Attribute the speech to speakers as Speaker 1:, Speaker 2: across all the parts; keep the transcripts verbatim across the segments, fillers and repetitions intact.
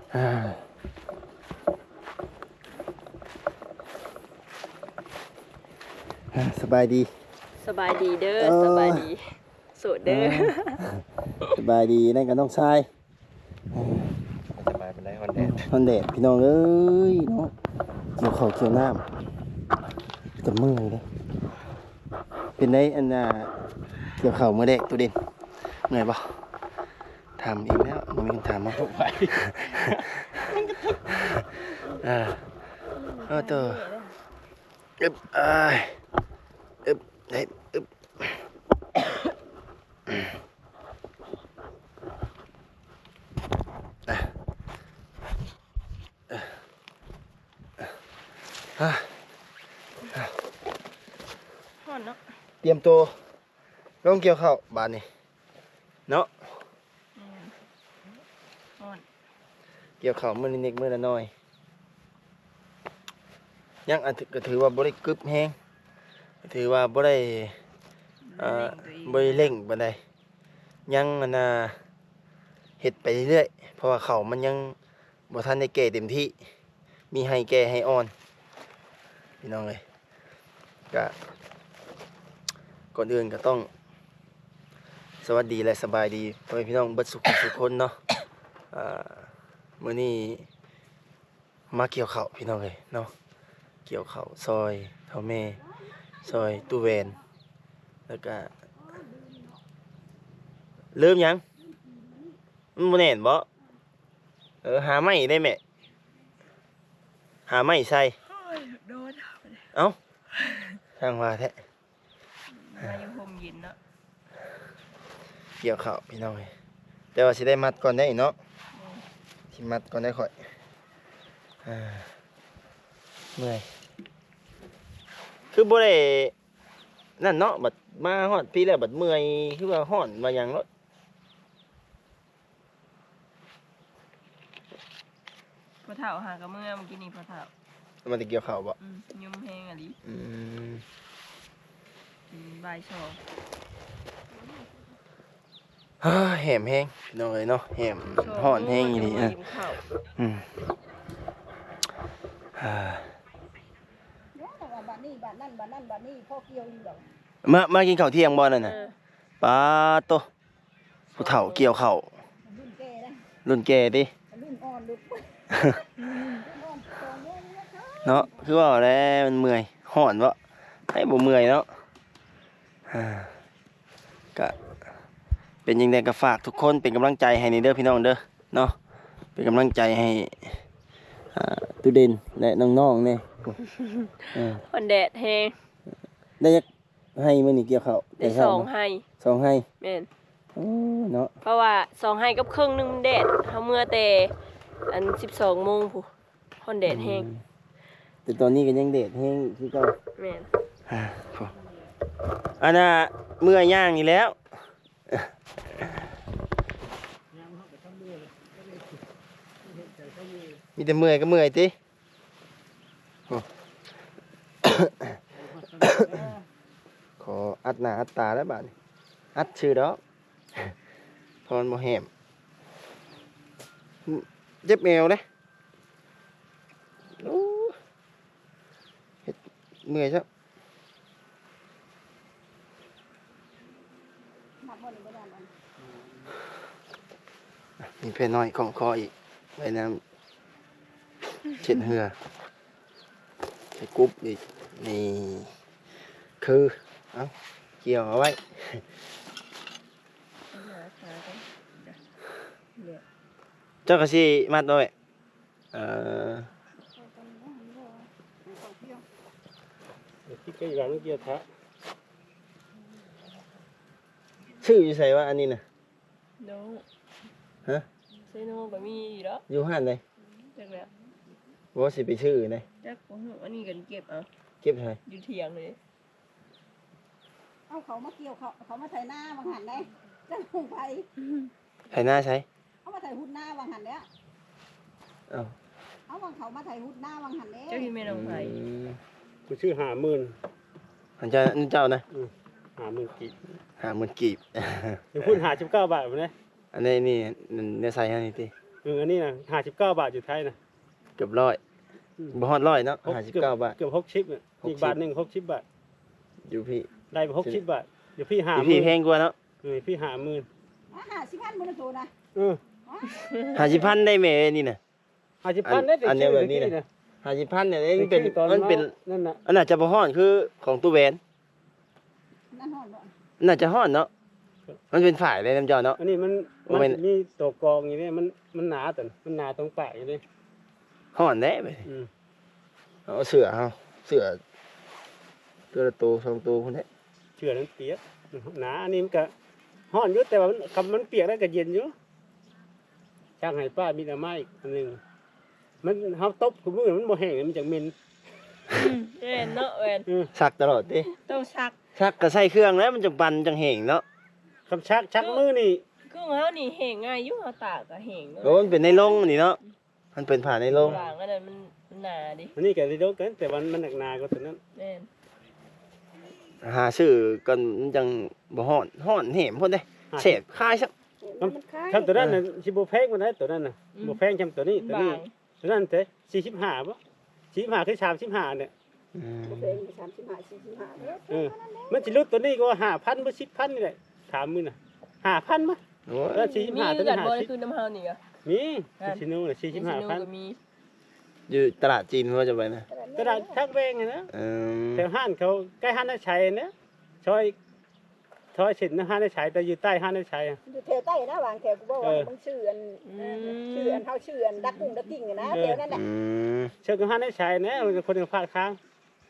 Speaker 1: สบายดี
Speaker 2: สบายดีเด้อสบายดีโสดเด้อ
Speaker 1: สบายดีนั่นก็ต้องใช้
Speaker 3: สบายเป็นไรฮอนแดด
Speaker 1: ฮอนแดดพี่น้องเอ้ยเนาะเกี่ยวข้าวเกี่ยวน้ำจะเมื่อยเลยเป็นไงอันน่ะเกี่ยวข้าวเมื่อเด็กตัวเด่นเมื่อยปะทำเองแล้วมันมีคำถามมาไปอ่าเออตัวอึบอ้ายอึบเด็ดอึบ
Speaker 2: ฮ้อนเนาะ
Speaker 1: เตรียมตัวลงเกี่ยวข้าวบานนี่เนาะ
Speaker 2: ฮ้อน
Speaker 1: เกี่ยวข้าวมื้อนิดๆมื้อละน้อยยังอันก็ถือว่าบ่ได้กึบแฮงถือว่าบ่ได้อ่าบ่ได้เร่งปานใดยังอันน่ะเฮ็ดไปเรื่อยๆเพราะว่าข้าวมันยังบ่ทันได้แก่เต็มที่มีให้แก่ให้อ่อนพี่น้องเอ้ยก็ก่อนอื่นก็ต้องสวัสดีและสบายดีพ่อแม่พี่น้องเบิดสุขทุกคนเนาะอ่ามื้อนี้มาเกี่ยวข้าวพี่น้องเอ้ยเนาะเกี่ยวข้าวซอยเฒ่าแม่ซอยตู้แวนแล้วก็ลืมหยังมันบ่แน่นบ่เออหาไม้ได้แม่หาไม้ใส่
Speaker 2: โดน
Speaker 1: เอ้าทางว่าแท้
Speaker 2: มาอยู่ห่มเย็นเนาะ
Speaker 1: เกี่ยวข้าวพี่น้องเอ้ยแต่ว่าสิได้มัดก่อนได้เนาะสิมัดก่อนได้ค่อยอ่าเมื่อยคือบ่ได้นั่นเนาะบัดมาฮอดพี่แล้วบัดเมื่อยคือว่าฮ้อนว่าหยังเนาะ
Speaker 2: พอเฒ่าหากับเมื่อเมื่อกี้นี่พอเฒ่า
Speaker 1: มันจะเกี่ยวข้าวบ่
Speaker 2: อืมยุ่มแห้งอะดิ
Speaker 1: อืม
Speaker 2: อืมบ่ายสอง
Speaker 1: ฮ่าแหมแห้งพี่น้องเอ้ยเนาะแหมฮ้อนแห้งอีหลีอ่ะอืมอ่า
Speaker 4: บ้านนี้บ้านนั่นบ้านนั่นบ้านนี้พ่อเกี่ยวอยู่ดอก
Speaker 1: มามากินข้าวเที่ยงบ่นั่นน่ะปาโตผู้เฒ่าเกี่ยวข้าว
Speaker 4: รุ่นแก่นะ
Speaker 1: รุ่นแก่ติ
Speaker 4: รุ่นอ่อนรุ่น
Speaker 1: เนาะคือว่าแล้วมันเมื่อยฮ้อนบ่ให้บ่เมื่อยเนาะอ่าก็เป็นยังไงก็ฝากทุกคนเป็นกำลังใจให้ในเด้อพี่น้องเด้อเนาะเป็นกำลังใจให้อ่าตูเด่นและน้องๆเนี่ย
Speaker 2: ฮ้อนแดดแฮง
Speaker 1: ได้จักให้มื้อนี้เกี่ยวข้าว
Speaker 2: ได้สองให้
Speaker 1: สองให้
Speaker 2: แม่น
Speaker 1: โอ้เนาะ
Speaker 2: เพราะว่าสองให้กับครึ่งนึงมันแดดเฮาเมื่อแต่อัน สิบสองโมงพุฮ้อนแดดแฮง
Speaker 1: แต่ตอนนี้ก็ยังแดดแฮงคือเก่า
Speaker 2: แม่น
Speaker 1: อ่าพออันน่ะเมื่อย่างนี่แล้วมีแต่เมื่อยก็เมื่อยติขออัดหน้าอัดตาแล้วบาดนี้อัดชื่อดอกพรบ่แหมเจ็บแมวเด้โอ้เฮ็ดเมื่อยซับมีเพลน้อยของคออีกไว้น้ำเช็ดเหือใส่กุ๊บอีกนี่คือเอาเกี่ยวเอาไว้เจ้ากระชีมัดด้วยเอ่อ
Speaker 3: ที่ใกล้ร้านเกียร์ทะ
Speaker 1: ชื่ออยู่ใส่ว่าอันนี้นะ
Speaker 2: โน
Speaker 1: ฮะ
Speaker 2: ใส่โนก็มีอยู่แล้ว
Speaker 1: อยู่ห้านไหน
Speaker 2: จักแล้ว
Speaker 1: ว่าสิไปชื่อไหน
Speaker 2: จักอันนี้กันเก็บเอา
Speaker 1: เก็บไทย
Speaker 2: อยู่เถียงเลย
Speaker 4: เอาเขามาเกี่ยวเขาเขามาไถหน้าบางหันได้จะลงไป
Speaker 1: ไถหน้าใช้
Speaker 4: เอามาไถหุ่นหน้าบางหันแล้ว
Speaker 1: เอา
Speaker 4: เอาบางเขามาไถหุ่นหน้าบางหันแล้ว
Speaker 2: เจ้าที่ไม่ลงไป
Speaker 3: กูชื่อหาหมื่น
Speaker 1: อันเจ้าอันเจ้านะ
Speaker 3: หาหมื่นกีบ
Speaker 1: หาหมื่นกีบ
Speaker 3: อยู่พูดหาสิบเก้าบาทผมเนี่ย
Speaker 1: อันนี้นี่เนื้อใส่ให้นี่ที
Speaker 3: เอออันนี้นะห้าสิบเก้าบาทอยู่ไทยนะ
Speaker 1: เกือบร้อยบ่ฮอดร้อยเนาะห้าสิบเก้าบาท
Speaker 3: เกือบหกสิบอ่ะ
Speaker 1: หกสิบ
Speaker 3: อีกบาทหนึ่งหกสิบบาท
Speaker 1: อยู่พี่
Speaker 3: ได้ไปหกสิบบาทเดี๋ยวพี่หา
Speaker 1: อยู่
Speaker 3: ห
Speaker 1: พี่
Speaker 3: มื่น
Speaker 1: แพงกว่าเนาะ
Speaker 3: เออพี่หาหมื่น
Speaker 4: อ่าห้าสิบพันมื้อโตนะ
Speaker 3: เออ
Speaker 1: ห้าสิบพันได้แม่นี่น่ะ
Speaker 3: ห้าสิบพันได้แต่
Speaker 1: อันเนี้ย
Speaker 3: ชื่อ
Speaker 1: แบบนี้นะ
Speaker 3: นะ
Speaker 1: ห้าสิบพันเนี่ยมันเป็น
Speaker 3: ชื่อตอน
Speaker 1: มันเป็น
Speaker 3: นั่นน่ะ
Speaker 1: อันน่าจะบ่ฮ้อนคือของตู้แหวน
Speaker 4: นั่นฮ้อนบ่
Speaker 1: น่าจะฮ้อนเนาะมันเป็นฝ่ายเลยน้ำเจ้าเนาะ
Speaker 3: อันนี้มัน
Speaker 1: บ่
Speaker 3: มัน
Speaker 1: แม่น
Speaker 3: มีตัวกรองอย่างนี้มันมันหนาแต่มันหนาตรงปลายอยู่เลย
Speaker 1: ฮ้อนแน่ไป
Speaker 3: อืม
Speaker 1: เอาเสือเฮาเสือตัวละตัวสองตัวพุ่นแท้
Speaker 3: เชื่อนั้นเปียกหนาอันนี้มันก็ห้อนอยู่แต่ว่ามันคำมันเปียกแล้วก็เย็นอยู่ช่างให้ป้ามีแต่ไม้อีกอันหนึงมันเฮาตบกับมือมันบ่แห้งมันจังเหม็น
Speaker 2: แม่นเนาะแม่น
Speaker 3: อืม
Speaker 1: ซักตลอดติ
Speaker 2: ต้องซัก
Speaker 1: ซักก็ใส่เครื่องแล้วมันจะปั่นจังแห้งเนาะ
Speaker 3: คำชักชักมือนี่
Speaker 2: คือเฮานี่แห้งง่ายอยู่เฮาตากก็แห้งเนาะ
Speaker 1: โอ้มันเป็นในโรงนี่เนาะมันเป็นผ่าในโรง
Speaker 2: วางอันนั้นมันมันหนาดิ
Speaker 3: อันนี้ก็ได้โดนกันแต่วันมันหนักหนากว่าตัวนั้น
Speaker 2: แม่น
Speaker 1: หาซื้อกันมันจังบ่ฮ้อนฮ้อนแหมพุ่นเด้เสพคายซัก
Speaker 4: มันคล้าย
Speaker 3: คำตัวนั้นน่ะสิบ่แพงมันได้ตัวนั้นน่ะบ่แพงจำตัวนี้ตัว
Speaker 2: บา
Speaker 3: นี้
Speaker 2: ง
Speaker 3: ตัวนั้นเท่สี่สิบห้าบ่สี่สิบห้าคือสามสิบห้าเนี่ย
Speaker 1: อืม
Speaker 4: บ่แพงสามสิบห้าสี่สิบห้าเด้อ
Speaker 3: เออมันสิลดตัวนี้ก็ห้าพันบ่สิบพันนี่แหละถามมึงน่ะห้าพันมั้ย
Speaker 1: โอ้ย
Speaker 3: แล้วสี่สิบ
Speaker 2: มี
Speaker 3: ห้าตัว
Speaker 2: กั
Speaker 3: นี้
Speaker 2: น
Speaker 3: ห้า
Speaker 2: บ่
Speaker 3: สิบ
Speaker 2: คือน้ำเฮานี่ก็
Speaker 3: มีชิโน่น่ะสี่สิบห้าพัน
Speaker 2: ก็มี
Speaker 1: อยู่ตลาดจีนว่าจะไปนะ
Speaker 3: ตลาดทักแวงนะ
Speaker 1: เออ
Speaker 3: แถวห้านเขาใกล้ห้านนาชัยนะซอยซอยเส้นห้านนาชัยแต่อยู่ใต้ห้านนาชัยอะ
Speaker 4: อยู่แถวใต้นะวางแถวกูบอกว่ามึงชื่ออันชื่ออันเฮาชื่ออันดักกุ้งดักกิ้งอะนะแถวนั้นแหละ
Speaker 1: อืม
Speaker 3: เชิญกับห้านนาชัยนะมันเป็นคนหนึ่งพลาดค้าง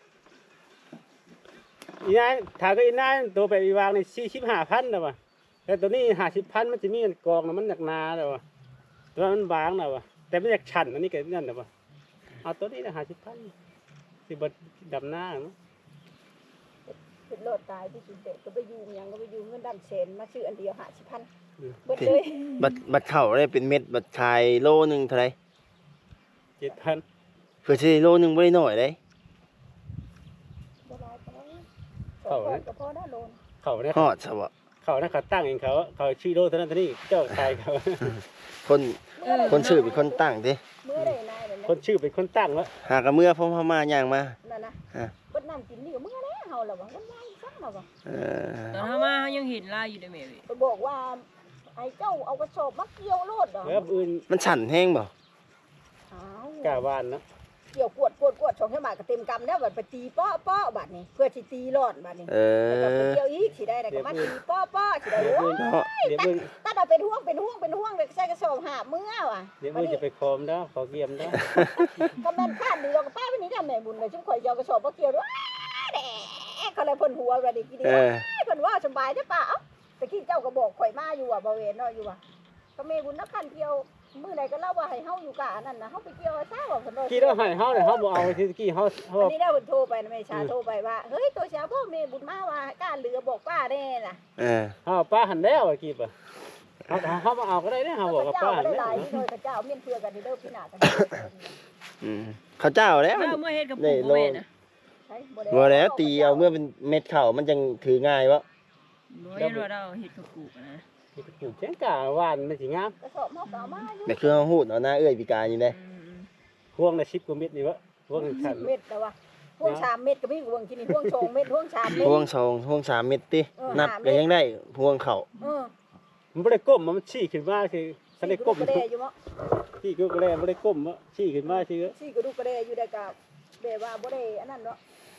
Speaker 3: อีนายถามก็อีนายตัวไปอีวางในสี่สิบห้าพันนะวะแต่ตัวนี้ห้าสิบพันมันจะมีกองนะมันหนักหนาแล้ววะตัวมันบางแล้ววะแต่ไม่อยากฉันอันนี้ก็นั่นนะวะเอาตัวนี้นะห้าสิบพันสิบดำหน้าเนาะ
Speaker 4: เป็นโลดตายที่จุดเด็กก็ไปยืมยังก็ไปยืมเงินดำเซนมาชื่ออันเดียวห้าสิบพันเบิดเลย
Speaker 1: บัตรบัตรเข้าได้เป็นเม็ดบัตรขายโลหนึงเท่าไหร่
Speaker 3: เจ็ดพัน
Speaker 1: เพื่อสิโลหนึงบ่ได้น้อยเด้
Speaker 4: บ่หลายปานนั้นสองคนก็พอได้โลน
Speaker 3: เขาเนี่ย
Speaker 1: ฮอดซะบ่
Speaker 3: เขาเนี่ยเขาตั้งเองเขาเขาชื่อโลเท่านั้นเท่านี้เจ้าชายเขา
Speaker 1: คนคนชื่อเป็นคนตั้งติ
Speaker 4: เมื่อใดนายนั่น
Speaker 3: คนชื่อเป็นคนตั้งแล้ว
Speaker 1: หากะเมื่อพร้อมเฮามาย่างมา
Speaker 4: นั่นนะ
Speaker 1: ฮะ
Speaker 4: เบิดน้ำกินนี่ก็เมื่อแล้วเฮาล่ะว่าวันยายซักล่ะว่า
Speaker 1: เออ
Speaker 2: ตอนเฮามาเฮายังเห็นลายอยู่เด้อแม่เว้ย
Speaker 4: ไปบอกว่าไอ้เจ้าเอากระสอบมาเกี่ยวโลดดอก
Speaker 3: แล้วอื่น
Speaker 1: มันสั่นแห้งบ่
Speaker 4: อ้าว
Speaker 3: กล้าวานนะ
Speaker 4: เกี่ยวกวดกวดกวดสองแค่บาทก็เต็มกำแล้วบัดไปตีป้อป้อบัดนี้เพื่อสิตีรอดบัดนี้
Speaker 1: เอ
Speaker 4: แล้วก็ไป
Speaker 1: อ
Speaker 4: เกี่ยวอีกสิได้แล้วก็มาตีป้อป้อสิได้
Speaker 3: เดี๋ยว
Speaker 4: โอ้
Speaker 3: อื่น
Speaker 1: เนาะ
Speaker 3: เดี๋ยวอื่น
Speaker 4: ตัดเอาเป็นห่วงเป็นห่วงเป็นห่วงเลยใส่กระสอบหาบมื้อว่ะ
Speaker 3: เดี๋ยวอื่นจะไปคอมแล้วขอเกียมแล้ว
Speaker 4: ก็แม่นข้านดีเราก็ป้าไปนี่ได้แม่บุญเลยจุ่มข่อยเจ้ากระสอบบ่เกี่ยวด้วยแหน่เขาเลยเพิ่นหัวบัดนี้กี่เดี
Speaker 1: เอ
Speaker 4: ยว
Speaker 1: อ
Speaker 4: เพิ่นว่าสบายได้อป่าเอ้าตะกี้เจ้าก็บอกข่อยมาอยู่ว่าบ่เวนเนาะอยู่ว่าก็แม่บุญนักขันเกี่ยวมื้อใดก็เล่าว่าให้เฮาอยู่กะอันนั้นน่ะเฮาไปเกี่ยวซะว่าเพิ่นว่า
Speaker 3: กี่เราให้เฮาเนี่ยเฮาบ่เอาที่กี้เฮาเฮา
Speaker 4: อันนี้ได้เพิ่นโทรไปนะแม่ชาโทรไปว่าเฮ้ยตัวเช้าพ่อแม่บุญมาว่าการเหลือบอกป้าแน่น่ะ
Speaker 1: เออ
Speaker 3: เฮาป้าหันแล้วอ่ะกี่ป่ะเฮาเฮามาเอาก็ได้เด้เฮาบอกกับ
Speaker 4: เจ้า
Speaker 3: ป้าหัน
Speaker 4: ได้
Speaker 3: แล้ว
Speaker 4: หลายนี่โดยพระเจ้าเมียนเพื่อกันนี่เด้อพี่นากัน
Speaker 1: อืมข้าวเจ้าแล้ว
Speaker 2: เฮาเมื่อเฮ็ดกับปู่บ่แม่นะ
Speaker 4: ใช่
Speaker 1: บ่แล้วตีเอาเมื่อเป็นเม็ดข้าวมันจังถือง่ายวะ
Speaker 2: บ่เห็นว่าเราเฮ็ดกับปู่นะ
Speaker 3: ปลูกแจ้งกะวานมันสิงาม
Speaker 4: กระสอบเฮาก็เอามาอยู่
Speaker 1: แต่คือเฮาฮู้เอาหน้าเอื้อยปีกายนี่เด้
Speaker 2: อืม
Speaker 3: พวงละสิบกว่าเม็ดนี่วะพวงขัน
Speaker 4: เม็ดแต่ว่าพวงสามเม็ดก็มีพวงกินนี่พวงสองเม็ดพวงสามเม็ด
Speaker 1: พวงสองพวงสามเม็ดติ
Speaker 4: เออ
Speaker 1: นับ
Speaker 4: ห้าเม็
Speaker 1: ก็
Speaker 4: ด
Speaker 1: ยังได้พวงข้าว
Speaker 4: เออ
Speaker 3: มันบ่ได้ก้มมันชี้ขึ้นมาคือถ้าได้ก้ม
Speaker 4: กระเดอยู่มั้ง
Speaker 3: ชี้ก็แลบ่ได้ก้มบ่ชี้ขึ้นมาซื่อ
Speaker 4: ซี่กระดูกกระเดอยู่ได้กับแบบว่าบ่ได้อันนั้นเนาะ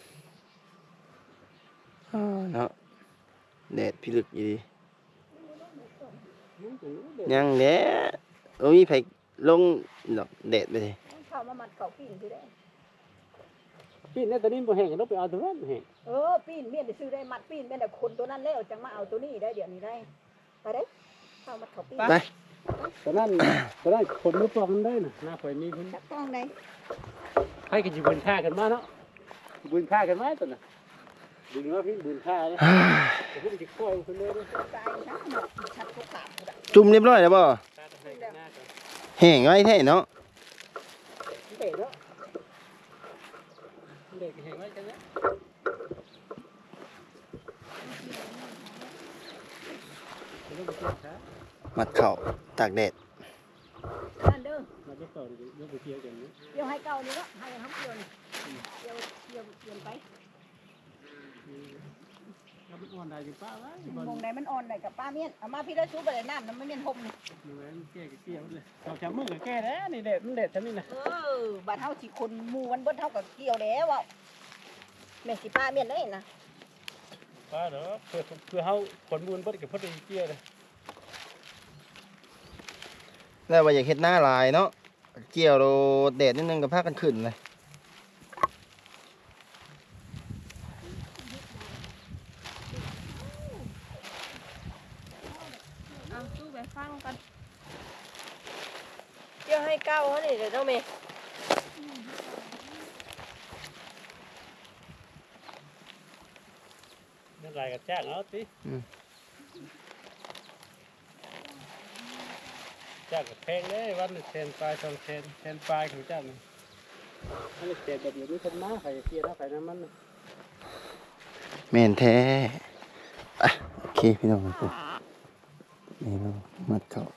Speaker 1: เนาะแดดพิลึกอยู่ดียังแหละโอ้มีไผลงดอกแดดไปสิ
Speaker 4: เข้ามามัดเข้าปิ้งคือได้
Speaker 3: พี่เนี่ยตอนนี้บ่แห้งต้องไปเอาตัวนั้นแห้ง
Speaker 4: เออปิ้นเมียนได้ซื้อได้มัดปิ้นแม่นแต่คนตัวนั้นแล้วจังมาเอาตัวนี้ได้เดี๋ยวนี้ได้ไปได้เข้ามัดเข้าปิ้ง
Speaker 1: ไป
Speaker 3: ตอนนั้นตอนนั้นคนมือปองมันได้น่ะหน้าข่อยมีคน
Speaker 4: จักต้องได้
Speaker 3: ให้กันสิบุญค่ากันมาเนาะบุญค่ากันมาตอนน่ะบุญว่าพี่บุญค่าเลยแต่พวกสิค่อยคนเลยเด้อ
Speaker 4: ตายนะหมดชัดทุกขาดกูได้
Speaker 1: จุ่มเรียบร้อยแล้วบ่
Speaker 3: ค่าให้กันหน้ากัน
Speaker 1: แห้งไว้แท้เนาะ
Speaker 3: เด็กเนาะเด็กเห็นไว้จังเนาะ
Speaker 1: มัดเข่าตากแดด
Speaker 3: มาจะต่อเยอะไปเที่ยวกันนี้
Speaker 4: เกี่ยวให้เก่านี่ละให้เขาเกี่ยวนี่เกี่ยวเกี่ยวเกี่ยวไป
Speaker 3: ถ้ามันอ่อนได้อยู่ป้าไว้บอล
Speaker 4: มองใดมันอ่อนได้กับป้าเมียนเอามาพี่ได้ชูไปเลยน้ำน้ำไม่เมียนห่มนี่
Speaker 3: ดูแลแก้เกี่ยวเลยสองสามมื้อก็แก้แล้วนี่เด็ดมันเด็ดทำนี่นะ
Speaker 4: เออบ้านเฮาสิคนหมู่มันเบิดเท่ากับเกี่ยวแล้วอ่ะแม่สิป้าเมียนได้นะ
Speaker 3: ป้าเด้อเพื่อเพื่อเฮาผลบุญเบิดกับพอดีเกี่ยวเลย
Speaker 1: แล้วว่าอยากเฮ็ดหน้าหลายเนาะเกี่ยวโดดแดดนิดนึงก็พากันขึ้นเลย
Speaker 2: เอาตู้ไปฟังกันเกี่ยวให้เก้าเขานี่เดี๋ยวเจ้าเมย์
Speaker 3: นั่นไรกับจ้างเอาติจ้างกับแพงเลยวันแทนปลายสองแทนแทนปลายของจ้างอันนี้แทนแบบอยู่ด้วยคนมาใครเกี่ยวนะใครน้ำมัน
Speaker 1: แม่นแท้อ่ะโอเคพี่น้องครับนี่เรามัดเขา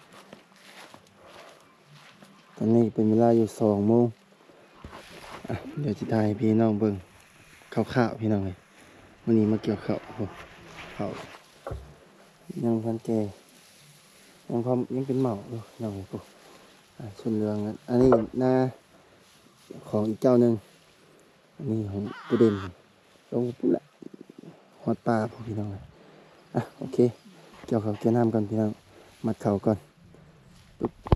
Speaker 1: ตอนนี้เป็นเวลาอยู่สองโมงอ่ะเดี๋ยวจะถ่ายให้พี่น้องเบิ่งข้าวๆพี่น้องเลยวันนี้มาเกี่ยวข้าวโอ้โหข้าวยังพันแก่ยังพอยังเป็นเหมาอยู่น้องเลยโอ้อ่ะชนเรืองนั้นอันนี้หน้าของอีกเจ้าหนึ่งอันนี้ของตัวเด่นลงปุ๊บละฮอดปลาพวกพี่น้องเลยอ่ะโอเคเกี่ยวข้าวเกี่ยวน้ำก่อนพี่น้องมัดเข่าก่อน